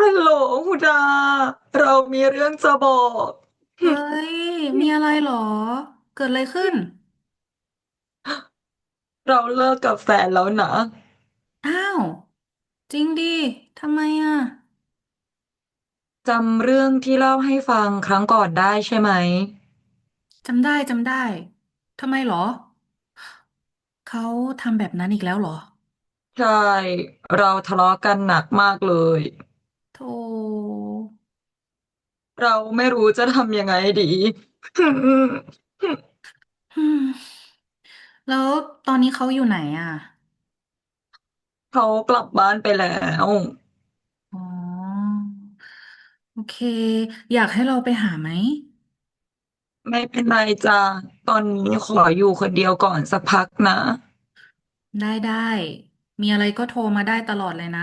ฮัลโหลฮูดาเรามีเรื่องจะบอกเฮ้ย มีอะไรเหรอ เกิดอะไรขึ้นเราเลิกกับแฟนแล้วนะอ้าว จริงดิ ทำไมอ่ะจำเรื่องที่เล่าให้ฟังครั้งก่อนได้ใช่ไหมจำได้ ทำไมเหรอ เขาทำแบบนั้นอีกแล้วเหรอใช่เราทะเลาะกันหนักมากเลยโธ่เราไม่รู้จะทำยังไงดีอืมแล้วตอนนี้เขาอยู่ไหนอ่ะเขากลับบ้านไปแล้วอ๋อ โอเค อยากให้เราไปหาไหมไม่เป็นไรจ้าตอนนี้ขออยู่คนเดียวก่อนสักพักนะได้ มีอะไรก็โทรมาได้ตลอดเลยนะ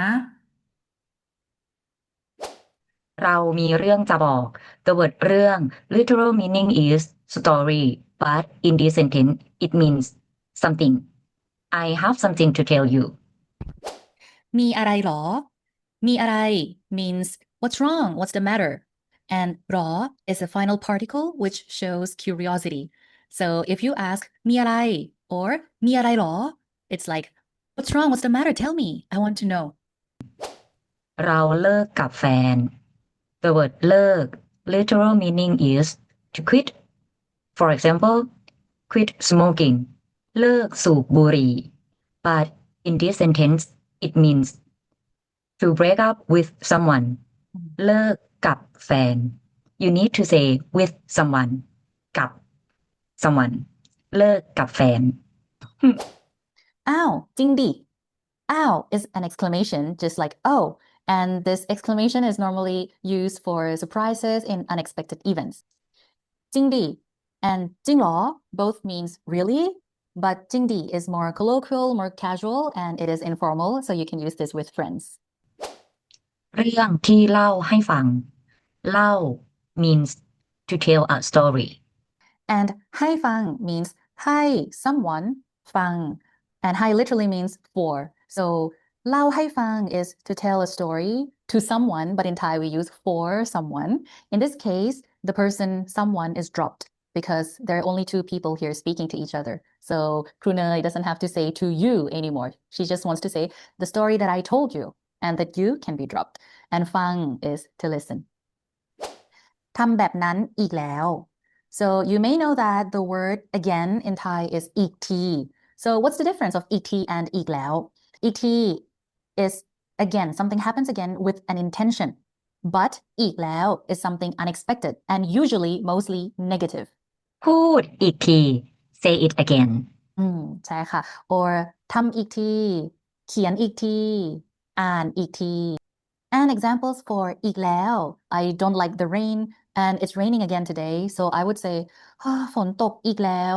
เรามีเรื่องจะบอก The word เรื่อง literal meaning is story but in this sentence it means something I have something to tell you มีอะไรหรอ มีอะไร means what's wrong what's the matter and หรอ is a final particle which shows curiosity so if you ask มีอะไร or มีอะไรหรอ it's like what's wrong what's the matter tell me I want to know เราเลิกกับแฟน The word เลิก literal meaning is to quit for example quit smoking เลิกสูบบุหรี่ but in this sentence it means to break up with someone เลิกกับแฟน you need to say with someone กับ someone เลิกกับแฟน อ้าวจริงดิ Ow is an exclamation, just like oh, and this exclamation is normally used for surprises in unexpected events. จริงดิ and จริงเหรอ both means really, but จริงดิ is more colloquial, more casual, and it is informal, so you can use this with friends. เรื่องที่เล่าให้ฟัง เล่า means to tell a story. And ให้ฟัง means ให้ someone ฟัง and ให้ literally means for. So เล่าให้ฟัง is to tell a story to someone, but in Thai we use for someone. In this case, the person someone is dropped because there are only two people here speaking to each other. So Krunei doesn't have to say to you anymore. She just wants to say the story that I told you and that you can be dropped. And ฟัง is to listen. ทำแบบนั้นอีกแล้ว so you may know that the word again in Thai is อีกที so what's the difference of อีกที and อีกแล้วอีกที is again something happens again with an intention but อีกแล้ว is something unexpected and usually mostly negative พูดอีกที say it again ใช่ค่ะ or ทำอีกทีเขียนอีกทีอ่านอีกที and examples for อีกแล้ว I don't like the rain and it's raining again today so I would say ฝนตกอีกแล้ว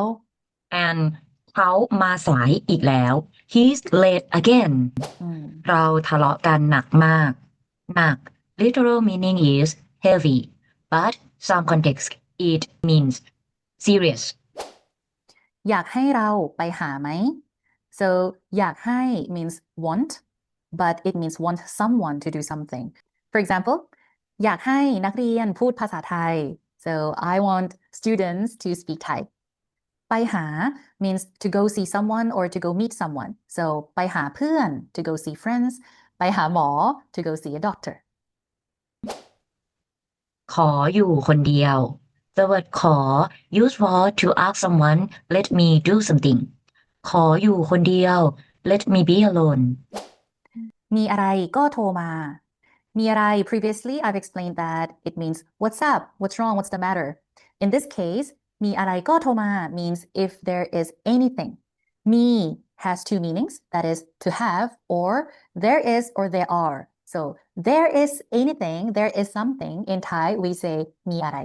and เขามาสายอีกแล้ว he's late again เราทะเลาะกันหนักมากหนัก literal meaning is heavy but some context it means serious อยากให้เราไปหาไหม so อยากให้ means want but it means want someone to do something for example อยากให้นักเรียนพูดภาษาไทย so I want students to speak Thai ไปหา means to go see someone or to go meet someone so ไปหาเพื่อน to go see friends ไปหาหมอ to go see a doctor ขออยู่คนเดียว the word ขอ used for to ask someone let me do something ขออยู่คนเดียว let me be alone มีอะไรก็โทรมามีอะไร previously I've explained that it means what's up what's wrong what's the matter in this case มีอะไรก็โทรมา means if there is anything มี has two meanings that is to have or there is or there are so there is anything there is something in Thai we say มีอะไร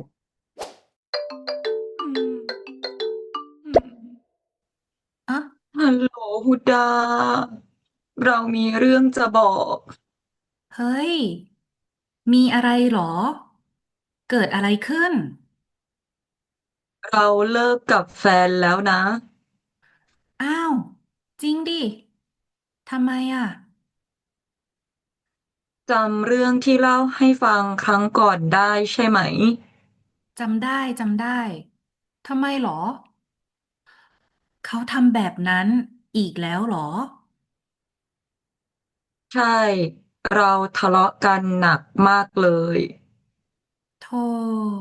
อ่ะฮัลโหลฮูดาเรามีเรื่องจะบอกเฮ้ยมีอะไรหรอเกิดอะไรขึ้นเราเลิกกับแฟนแล้วนะอ้าวจริงดิทำไมอ่ะจำเรื่องที่เล่าให้ฟังครั้งก่อนได้ใช่ไหมจำได้จำได้ทำไมหรอเขาทำแบบนั้นอีกแล้วหรอใช่ เราทะเลาะกันหนักมากเลยโธ่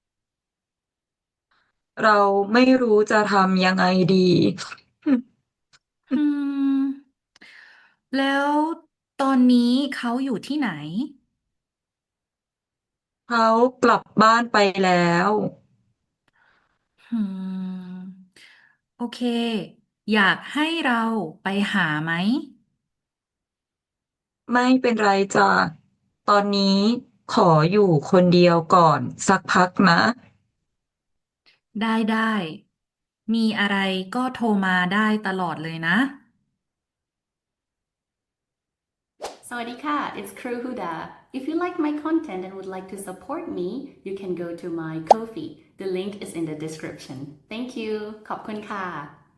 เราไม่รู้จะทำยังไงดีอืมแล้วตอนนี้เขาอยู่ที่ไหนเขากลับบ้านไปแล้วอืมโอเคอยากให้เราไปหาไหมไม่เป็นไรจ้ะตอนนี้ขออยู่คนเดียวก่อนสักพักนะได้ได้มีอะไรก็โทรมาได้ตลอดเลยนะ Sawadika, it's Crew Huda. If you like my content and would like to support me, you can go to my Ko-fi. The link is in the description. Thank you. ขอบคุณค่ะ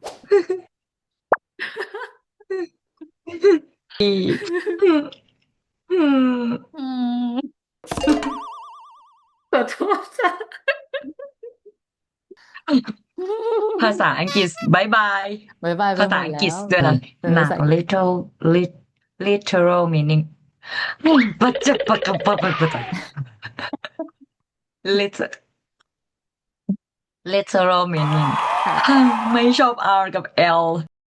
ดีอืมอืมขอโทษจ้ะภาษาอังกฤษบายบายบายบายไปภาหมษาดอังแล้กฤษวด้วยนะเป็นหนัภาก ษา literal meaning ปัจจปะกะปะปะปะ literal meaning ค่ะไม่ชอบ R กับ L